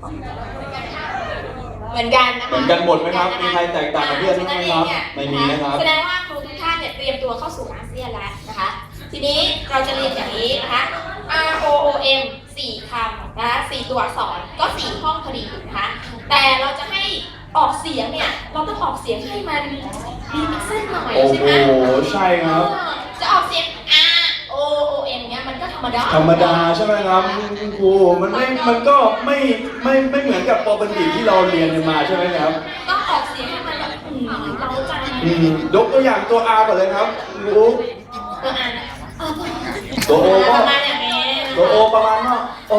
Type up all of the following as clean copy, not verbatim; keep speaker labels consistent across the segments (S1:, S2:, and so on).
S1: เหมือนกันนะคะ
S2: เหมือนกันหมดไหมครับมีใครแตกต่างกับเพื่อนบ้างไหมครับไม่มีนะครับ
S1: แสดงว่าครูทุกท่านเนี่ยเตรียมตัวเข้าสู่อาเซียนแล้วนะคะทีนี้เราจะเรียนอย่างนี้นะคะ R O O M 4 คำนะคะ4 ตัวอักษรก็4 ห้องพอดีนะคะแต่เราจะให้ออกเสียงเนี่ยเราต้องออกเสียงให้มันมีมิกซ์เส้นหน่อยใช่ไหม
S2: โอ้โหใช่ครับ
S1: จะออกเสียง R O O M เนี่ยมันก็ธรรมดา
S2: ใช่ไหมครับคุณครูมันก็ไม่เหมือนกับปกติที่เราเรียนกันมาใช่ไหมครับ
S1: ต้องออกเสียงให้มันแบบเราใจ
S2: ยกตัวอย่างตัว R ก่อนเลยครับครู
S1: ตัว R นะ
S2: ตัว O ก็
S1: ประมาณอย่างนี้
S2: ตัว O ประมาณว่าโอ้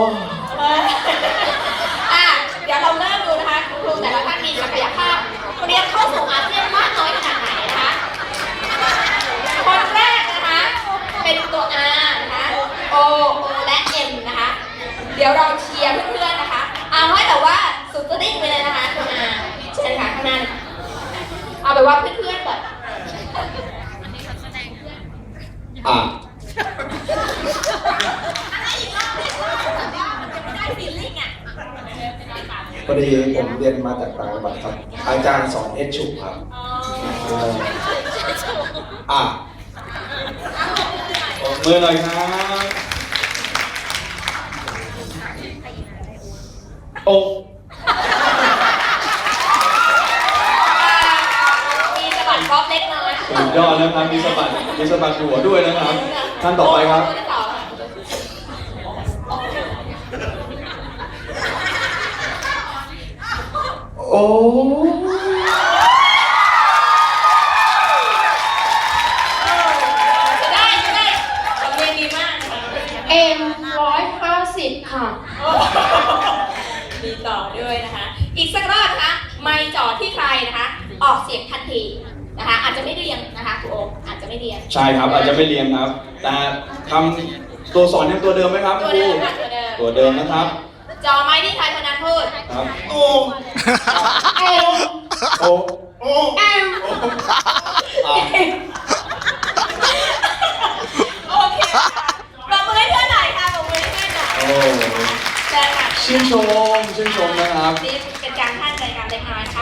S1: เดี๋ยวเราเริ่มดูนะคะครูแต่ละท่านมีศักยภาพเรียนเข้าสู่อาเซียนมากน้อยขนาดไหนนะคะคนแรกนะคะเป็นตัว R นะคะ O และ M นะคะเดี๋ยวเราเชียร์เพื่อนๆนะคะเอาให้แต่ว่าสุดจะดิ้งไปเลยนะคะตัว R เชิญค่ะข้างหน้าเอาแบบว่าเพื่อนๆแบบ
S3: พอดีผมเรียนมาจากต่างจังหวัดครับอาจารย์สอนเอชฉุครับ
S2: มือหน่อยครับโอ้
S1: มีสะบัดบ๊อบเล็กน้อย
S2: สุดยอดนะครับมีสะบัดหัวด้วยนะครับท่านต่อไปครับโอ้
S1: ได้เรียนดีมากM150ค่ะมีต่อด้วยนะคะอีกสักรอบนะคะไม่จ่อที่ใครนะคะออกเสียงทันทีนะคะอาจจะไม่เรียงนะคะครูโออาจจะไม่เรียง
S2: ใช่ครับอาจจะไม่เรียงครับแต่ทำตัวสอนยังตัวเดิมไหมครับครูตัวเดิมนะครับ
S1: จอไม้ที่ไทยพนันพูด
S2: ครับ
S1: โอ
S2: โอ
S1: เอ็มโอเคปรบมือให้เพื่อนหน่อยค่ะปรบมือให้เพื่อนหน่อยเชิญค่ะ
S2: ชื่นชมนะครับ
S1: นี่เป็นการท่านใจการเล็กน้อยนะคะ